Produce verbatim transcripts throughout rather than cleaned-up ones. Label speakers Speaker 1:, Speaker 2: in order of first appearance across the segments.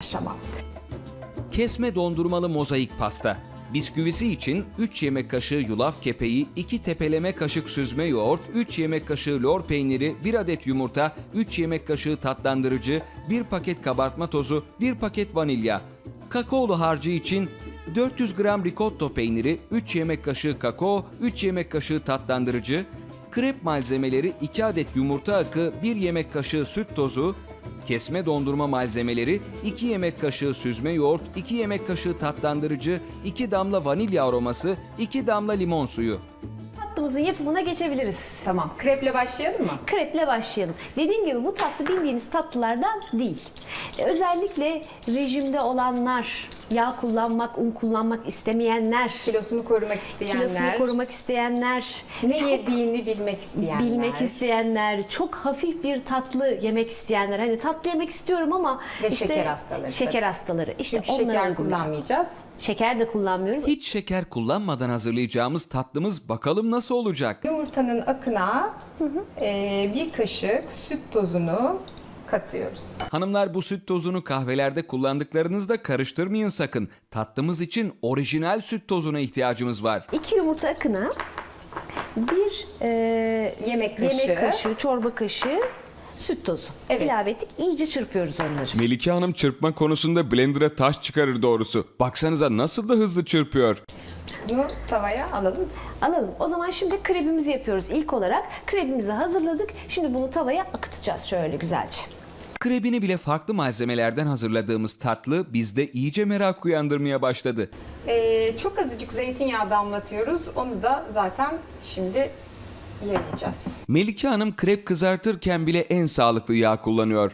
Speaker 1: Tamam.
Speaker 2: Kesme dondurmalı mozaik pasta. Bisküvisi için üç yemek kaşığı yulaf kepeği, iki tepeleme kaşık süzme yoğurt, üç yemek kaşığı lor peyniri, bir adet yumurta, üç yemek kaşığı tatlandırıcı, bir paket kabartma tozu, bir paket vanilya. Kakaolu harcı için dört yüz gram ricotta peyniri, üç yemek kaşığı kakao, üç yemek kaşığı tatlandırıcı, krep malzemeleri iki adet yumurta akı, bir yemek kaşığı süt tozu, kesme dondurma malzemeleri iki yemek kaşığı süzme yoğurt, iki yemek kaşığı tatlandırıcı, iki damla vanilya aroması, iki damla limon suyu.
Speaker 1: Tatlımızın yapımına geçebiliriz.
Speaker 3: Tamam. Kreple başlayalım mı?
Speaker 1: Kreple başlayalım. Dediğim gibi bu tatlı bildiğiniz tatlılardan değil. E, Özellikle rejimde olanlar, yağ kullanmak, un kullanmak istemeyenler,
Speaker 3: Kilosunu korumak isteyenler,
Speaker 1: kilosunu korumak isteyenler,
Speaker 3: ne
Speaker 1: çok
Speaker 3: yediğini bilmek isteyenler.
Speaker 1: bilmek isteyenler, çok hafif bir tatlı yemek isteyenler. Hani tatlı yemek istiyorum ama
Speaker 3: Ve
Speaker 1: işte
Speaker 3: şeker hastaları
Speaker 1: Şeker
Speaker 3: tabii.
Speaker 1: hastaları. İşte
Speaker 3: Çünkü
Speaker 1: onlara
Speaker 3: şeker
Speaker 1: uygun.
Speaker 3: kullanmayacağız.
Speaker 1: Şeker de kullanmıyoruz.
Speaker 2: Hiç şeker kullanmadan hazırlayacağımız tatlımız bakalım nasıl olacak?
Speaker 3: Yumurtanın akına e, bir kaşık süt tozunu katıyoruz.
Speaker 2: Hanımlar, bu süt tozunu kahvelerde kullandıklarınızda karıştırmayın sakın. Tatlımız için orijinal süt tozuna ihtiyacımız var.
Speaker 1: İki yumurta akına bir e,
Speaker 3: Yemek kaşığı.
Speaker 1: yemek kaşığı, çorba kaşığı süt tozu
Speaker 3: Evet.
Speaker 1: ilave ettik. İyice çırpıyoruz onları.
Speaker 2: Melike Hanım çırpma konusunda blender'a taş çıkarır doğrusu. Baksanıza nasıl da hızlı çırpıyor.
Speaker 3: Bunu tavaya alalım.
Speaker 1: Alalım. O zaman şimdi krebimizi yapıyoruz ilk olarak. Krebimizi hazırladık. Şimdi bunu tavaya akıtacağız şöyle güzelce.
Speaker 2: Krebini bile farklı malzemelerden hazırladığımız tatlı bizde iyice merak uyandırmaya başladı.
Speaker 3: E, çok azıcık zeytinyağı damlatıyoruz. Onu da zaten şimdi yayacağız.
Speaker 2: Melike Hanım krep kızartırken bile en sağlıklı yağ kullanıyor.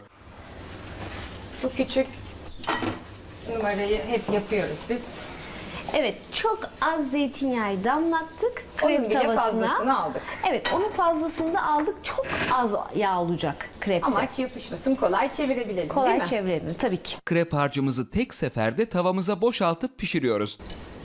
Speaker 3: Bu küçük numarayı hep yapıyoruz biz.
Speaker 1: Evet, çok az zeytinyağı damlattık krep
Speaker 3: Onun bile
Speaker 1: tavasına.
Speaker 3: fazlasını aldık.
Speaker 1: Evet, onun fazlasını da aldık. Çok az yağ olacak krepte.
Speaker 3: Amaç yapışmasın, kolay çevirebilelim değil
Speaker 1: Kolay
Speaker 3: mi?
Speaker 1: çevirelim tabii ki.
Speaker 2: Krep harcımızı tek seferde tavamıza boşaltıp pişiriyoruz.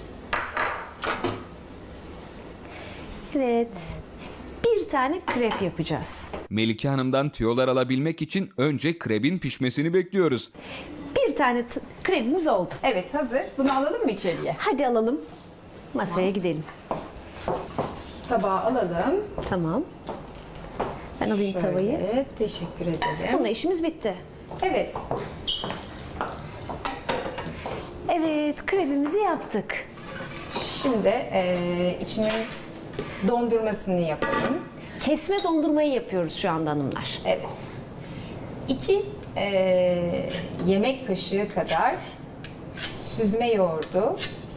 Speaker 1: Evet. Bir tane krep yapacağız.
Speaker 2: Melike Hanım'dan tüyolar alabilmek için önce krebin pişmesini bekliyoruz.
Speaker 1: Bir tane t- krebimiz oldu.
Speaker 3: Evet, hazır. Bunu alalım mı içeriye?
Speaker 1: Hadi alalım. Masaya gidelim.
Speaker 3: Tabağa alalım.
Speaker 1: Tamam. Ben alayım tavayı.
Speaker 3: Şöyle, teşekkür ederim.
Speaker 1: Bununla işimiz bitti.
Speaker 3: Evet,
Speaker 1: Evet, krebimizi yaptık.
Speaker 3: şimdi eee içinin dondurmasını yapalım.
Speaker 1: Kesme dondurmayı yapıyoruz şu anda hanımlar.
Speaker 3: Evet. İki eee, yemek kaşığı kadar süzme yoğurdu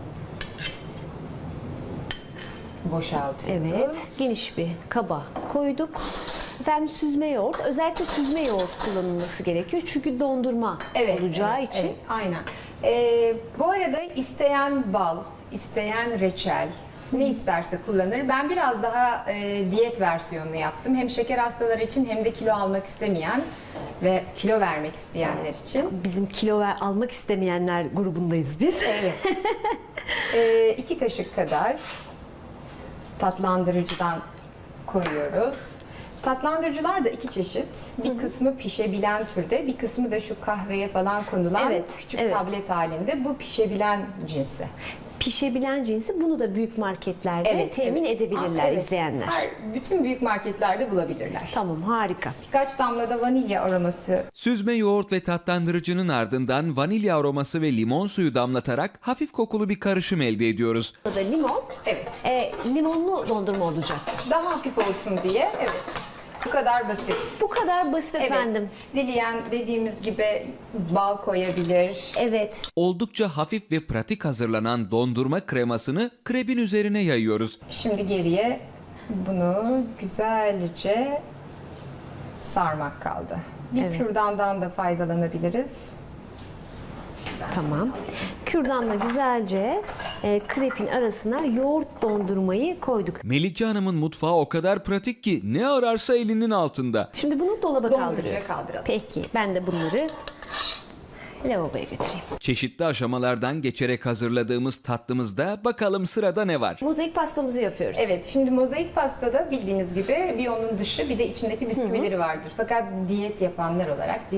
Speaker 3: boşaltıyoruz.
Speaker 1: Evet, geniş bir kaba koyduk. Efendim süzme yoğurt, özellikle süzme yoğurt kullanılması gerekiyor. Çünkü dondurma
Speaker 3: Evet,
Speaker 1: olacağı
Speaker 3: evet,
Speaker 1: için.
Speaker 3: evet, aynen. Ee, bu arada isteyen bal, isteyen reçel, ne isterse kullanır. Ben biraz daha e, diyet versiyonunu yaptım. Hem şeker hastaları için hem de kilo almak istemeyen ve kilo vermek isteyenler için.
Speaker 1: Bizim kilo ver, almak istemeyenler grubundayız biz.
Speaker 3: Evet. ee, iki kaşık kadar tatlandırıcıdan koyuyoruz. Tatlandırıcılar da iki çeşit. Bir kısmı pişebilen türde, bir kısmı da şu kahveye falan konulan
Speaker 1: Evet,
Speaker 3: küçük
Speaker 1: evet.
Speaker 3: tablet halinde. Bu pişebilen cinsi.
Speaker 1: Pişebilen cinsi bunu da büyük marketlerde temin
Speaker 3: evet.
Speaker 1: edebilirler
Speaker 3: Aa, evet.
Speaker 1: izleyenler.
Speaker 3: Her, bütün büyük marketlerde bulabilirler.
Speaker 1: Tamam, harika.
Speaker 3: Birkaç damla da vanilya aroması.
Speaker 2: Süzme yoğurt ve tatlandırıcının ardından vanilya aroması ve limon suyu damlatarak hafif kokulu bir karışım elde ediyoruz.
Speaker 1: Burada limon,
Speaker 3: Evet.
Speaker 1: e, limonlu dondurma olacak.
Speaker 3: Daha hafif olsun diye. Evet. Bu kadar basit.
Speaker 1: Bu kadar basit
Speaker 3: Evet.
Speaker 1: efendim.
Speaker 3: Dileyen dediğimiz gibi bal koyabilir.
Speaker 1: Evet.
Speaker 2: Oldukça hafif ve pratik hazırlanan dondurma kremasını krebin üzerine yayıyoruz.
Speaker 3: Şimdi geriye bunu güzelce sarmak kaldı. Bir
Speaker 1: Evet.
Speaker 3: kürdandan da faydalanabiliriz.
Speaker 1: Tamam. Kürdanla güzelce e, krepin arasına yoğurt dondurmayı koyduk.
Speaker 2: Melike Hanım'ın mutfağı o kadar pratik ki ne ararsa elinin altında.
Speaker 1: Şimdi bunu dolaba
Speaker 3: Dondurucuya
Speaker 1: kaldırıyoruz.
Speaker 3: kaldıralım.
Speaker 1: Peki, ben de bunları lavaboya götüreyim.
Speaker 2: Çeşitli aşamalardan geçerek hazırladığımız tatlımızda bakalım sırada ne var?
Speaker 1: Mozaik pastamızı yapıyoruz.
Speaker 3: Evet, şimdi mozaik pastada bildiğiniz gibi bir onun dışı bir de içindeki bisküvileri vardır. Fakat diyet yapanlar olarak biz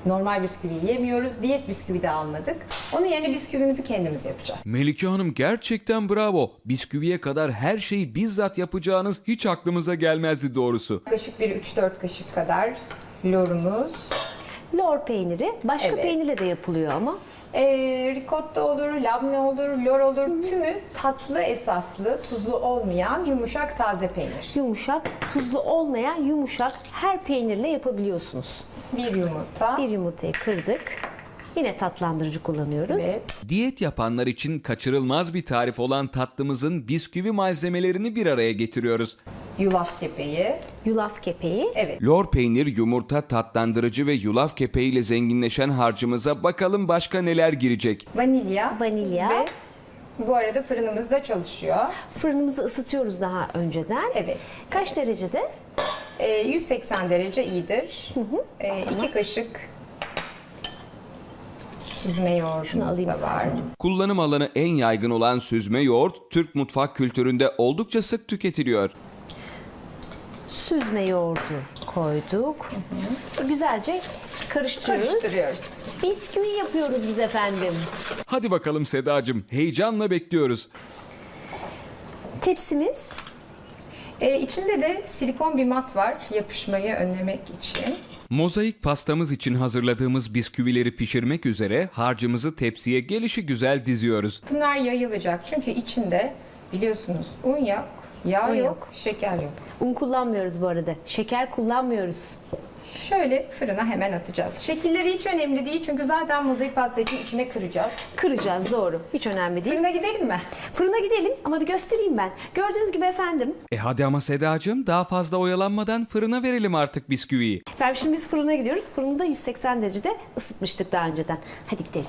Speaker 3: Normal bisküvi yemiyoruz. Diyet bisküvi de almadık. Onun yerine bisküvimizi kendimiz yapacağız.
Speaker 2: Melike Hanım gerçekten bravo. Bisküviye kadar her şeyi bizzat yapacağınız hiç aklımıza gelmezdi doğrusu.
Speaker 3: Yaklaşık bir üç dört kaşık kadar lorumuz.
Speaker 1: Lor peyniri başka
Speaker 3: Evet.
Speaker 1: peynirle de yapılıyor ama.
Speaker 3: E, ricotta olur, labne olur, lor olur. Tümü tatlı esaslı, tuzlu olmayan yumuşak taze peynir.
Speaker 1: Yumuşak, tuzlu olmayan yumuşak her peynirle yapabiliyorsunuz.
Speaker 3: Bir yumurta.
Speaker 1: Bir yumurtayı kırdık. Yine tatlandırıcı kullanıyoruz.
Speaker 3: Evet.
Speaker 2: Diyet yapanlar için kaçırılmaz bir tarif olan tatlımızın bisküvi malzemelerini bir araya getiriyoruz.
Speaker 3: Yulaf kepeği.
Speaker 1: Yulaf kepeği.
Speaker 3: Evet.
Speaker 2: Lor peynir, yumurta, tatlandırıcı ve yulaf kepeğiyle zenginleşen harcımıza bakalım başka neler girecek.
Speaker 3: Vanilya.
Speaker 1: Vanilya.
Speaker 3: Ve bu arada fırınımız da çalışıyor.
Speaker 1: Fırınımızı ısıtıyoruz daha önceden.
Speaker 3: Evet.
Speaker 1: Kaç derecede?
Speaker 3: E, yüz seksen derece iyidir. E, iki kaşık süzme yoğurdumuz
Speaker 1: Şunu alayım
Speaker 3: da var.
Speaker 1: isterseniz.
Speaker 2: Kullanım alanı en yaygın olan süzme yoğurt, Türk mutfak kültüründe oldukça sık tüketiliyor.
Speaker 1: Süzme yoğurdu koyduk. Güzelce karıştırıyoruz.
Speaker 3: Karıştırıyoruz.
Speaker 1: Bisküvi yapıyoruz biz efendim.
Speaker 2: Hadi bakalım Sedacığım, heyecanla bekliyoruz.
Speaker 1: Tepsimiz.
Speaker 3: E, içinde de silikon bir mat var yapışmayı önlemek için.
Speaker 2: Mozaik pastamız için hazırladığımız bisküvileri pişirmek üzere harcımızı tepsiye gelişigüzel diziyoruz.
Speaker 3: Bunlar yayılacak çünkü içinde biliyorsunuz un yok, yağ
Speaker 1: Un
Speaker 3: yok,
Speaker 1: yok.
Speaker 3: şeker yok.
Speaker 1: Un kullanmıyoruz bu arada. Şeker kullanmıyoruz.
Speaker 3: Şöyle fırına hemen atacağız. Şekilleri hiç önemli değil çünkü zaten mozaik pasta için içine kıracağız.
Speaker 1: Kıracağız, doğru. Hiç önemli değil.
Speaker 3: Fırına gidelim mi?
Speaker 1: Fırına gidelim ama bir göstereyim ben. Gördüğünüz gibi efendim.
Speaker 2: E hadi ama Sedacığım, daha fazla oyalanmadan fırına verelim artık bisküviyi.
Speaker 1: Efendim şimdi biz fırına gidiyoruz. Fırını da yüz seksen derecede ısıtmıştık daha önceden. Hadi gidelim.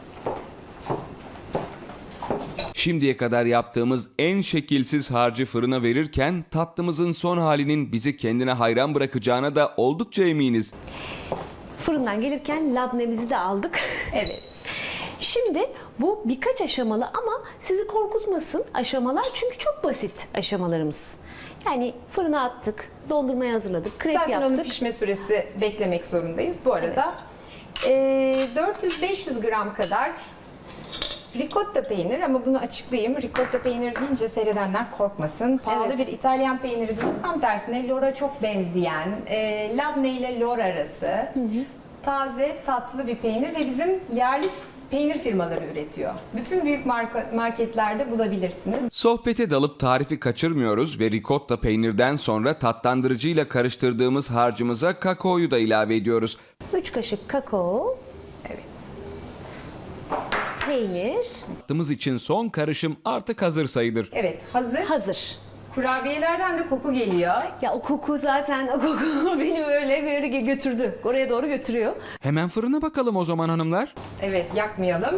Speaker 2: Şimdiye kadar yaptığımız en şekilsiz harcı fırına verirken tatlımızın son halinin bizi kendine hayran bırakacağına da oldukça eminiz.
Speaker 1: Fırından gelirken labnemizi de aldık.
Speaker 3: Evet.
Speaker 1: Şimdi bu birkaç aşamalı ama sizi korkutmasın aşamalar çünkü çok basit aşamalarımız. Yani fırına attık, dondurmayı hazırladık, krep
Speaker 3: Zaten onun
Speaker 1: yaptık.
Speaker 3: pişme süresi beklemek zorundayız. Bu arada eee, dört yüz beş yüz gram kadar ricotta peynir ama bunu açıklayayım. Ricotta peynir deyince seyredenler korkmasın. Pahalı
Speaker 1: Evet.
Speaker 3: bir İtalyan peyniri değil. Tam tersine lora çok benzeyen, eee labne ile lor arası taze tatlı bir peynir ve bizim yerli peynir firmaları üretiyor. Bütün büyük marka, marketlerde bulabilirsiniz.
Speaker 2: Sohbete dalıp tarifi kaçırmıyoruz ve ricotta peynirden sonra tatlandırıcıyla karıştırdığımız harcımıza kakaoyu da ilave ediyoruz.
Speaker 1: üç kaşık kakao,
Speaker 3: Evet.
Speaker 1: peynir
Speaker 2: Tatlımız için son karışım artık hazır sayılır.
Speaker 3: Evet, hazır.
Speaker 1: hazır.
Speaker 3: Kurabiyelerden de koku geliyor.
Speaker 1: Ya o koku zaten o koku beni böyle böyle götürdü. Oraya doğru götürüyor.
Speaker 2: Hemen fırına bakalım o zaman hanımlar.
Speaker 3: Evet, yakmayalım.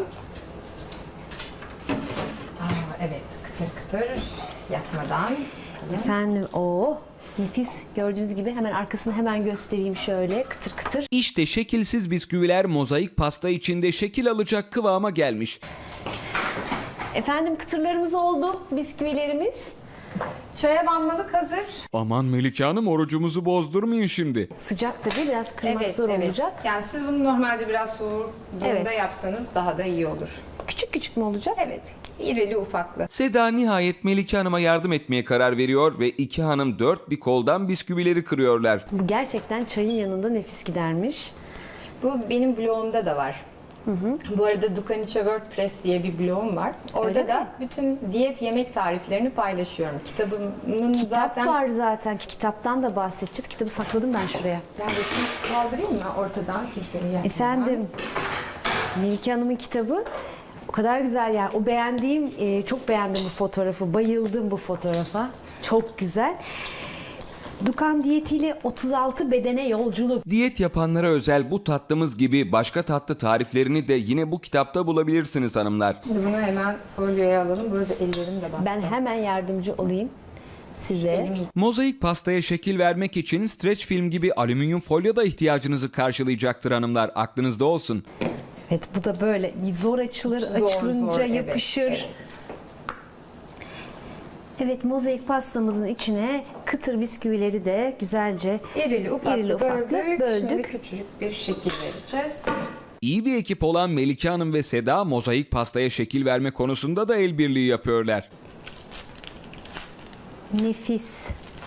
Speaker 3: Aa, evet, kıtır kıtır yakmadan.
Speaker 1: Efendim o nefis, gördüğünüz gibi hemen arkasını hemen göstereyim şöyle kıtır kıtır.
Speaker 2: İşte şekilsiz bisküviler mozaik pasta içinde şekil alacak kıvama gelmiş.
Speaker 1: Efendim kıtırlarımız oldu, bisküvilerimiz.
Speaker 3: Çaya banmalık hazır.
Speaker 2: Aman Melike Hanım, orucumuzu bozdurmayın şimdi.
Speaker 1: Sıcak tabii biraz kırmak
Speaker 3: Evet,
Speaker 1: zor
Speaker 3: evet.
Speaker 1: olacak.
Speaker 3: Yani siz bunu normalde biraz soğuk durumda
Speaker 1: Evet.
Speaker 3: yapsanız daha da iyi olur.
Speaker 1: Küçük küçük mü olacak?
Speaker 3: Evet, irili ufaklı.
Speaker 2: Seda nihayet Melike Hanım'a yardım etmeye karar veriyor ve iki hanım dört bir koldan bisküvileri kırıyorlar.
Speaker 1: Bu gerçekten çayın yanında nefis gidermiş.
Speaker 3: Bu benim blogumda da var. Bu arada Dukanice WordPress diye bir blogum var. Orada
Speaker 1: Öyle
Speaker 3: da
Speaker 1: mi?
Speaker 3: bütün diyet yemek tariflerini paylaşıyorum. Kitabımın
Speaker 1: Kitap
Speaker 3: zaten...
Speaker 1: var zaten. Kitaptan da bahsedeceğiz. Kitabı sakladım ben şuraya.
Speaker 3: Ben de şunu kaldırayım mı ortadan kimseyi yakmadan?
Speaker 1: Efendim, Melike Hanım'ın kitabı o kadar güzel yani. O beğendiğim, e, çok beğendim bu fotoğrafı. Bayıldım bu fotoğrafa. Çok güzel. Dukan diyetiyle otuz altı bedene yolculuk.
Speaker 2: Diyet yapanlara özel bu tatlımız gibi başka tatlı tariflerini de yine bu kitapta bulabilirsiniz hanımlar.
Speaker 3: Şimdi bunu hemen folyoya alalım. Burada ellerim de bak.
Speaker 1: Ben hemen yardımcı olayım size.
Speaker 3: Elimi
Speaker 2: Mozaik pastaya şekil vermek için streç film gibi alüminyum folyo da ihtiyacınızı karşılayacaktır hanımlar. Aklınızda olsun.
Speaker 1: Evet, bu da böyle zor açılır,
Speaker 3: Zor,
Speaker 1: açılınca
Speaker 3: zor, evet,
Speaker 1: yapışır.
Speaker 3: evet.
Speaker 1: Evet, mozaik pastamızın içine kıtır bisküvileri de güzelce
Speaker 3: İrili ufaklı,
Speaker 1: irili ufaklı
Speaker 3: böldük.
Speaker 1: böldük.
Speaker 3: Şimdi küçücük bir şekil vereceğiz.
Speaker 2: İyi bir ekip olan Melike Hanım ve Seda mozaik pastaya şekil verme konusunda da el birliği yapıyorlar.
Speaker 1: Nefis.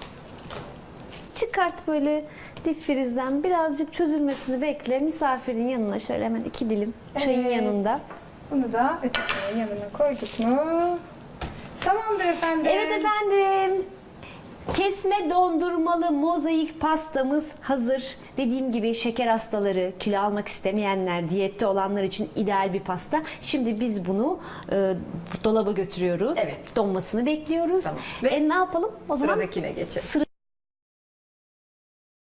Speaker 1: Çıkart böyle dipfrizden, birazcık çözülmesini bekle. Misafirin yanına şöyle hemen iki dilim çayın
Speaker 3: Evet.
Speaker 1: yanında.
Speaker 3: Bunu da ötekinin yanına koyduk mu? Tamamdır efendim.
Speaker 1: Evet efendim. Kesme dondurmalı mozaik pastamız hazır. Dediğim gibi şeker hastaları, kilo almak istemeyenler, diyette olanlar için ideal bir pasta. Şimdi biz bunu e, dolaba götürüyoruz.
Speaker 3: Evet.
Speaker 1: Donmasını bekliyoruz.
Speaker 3: Tamam.
Speaker 1: Ve
Speaker 3: Ve
Speaker 1: e, ne yapalım? O zaman
Speaker 3: Sıradakine geçelim.
Speaker 1: sıra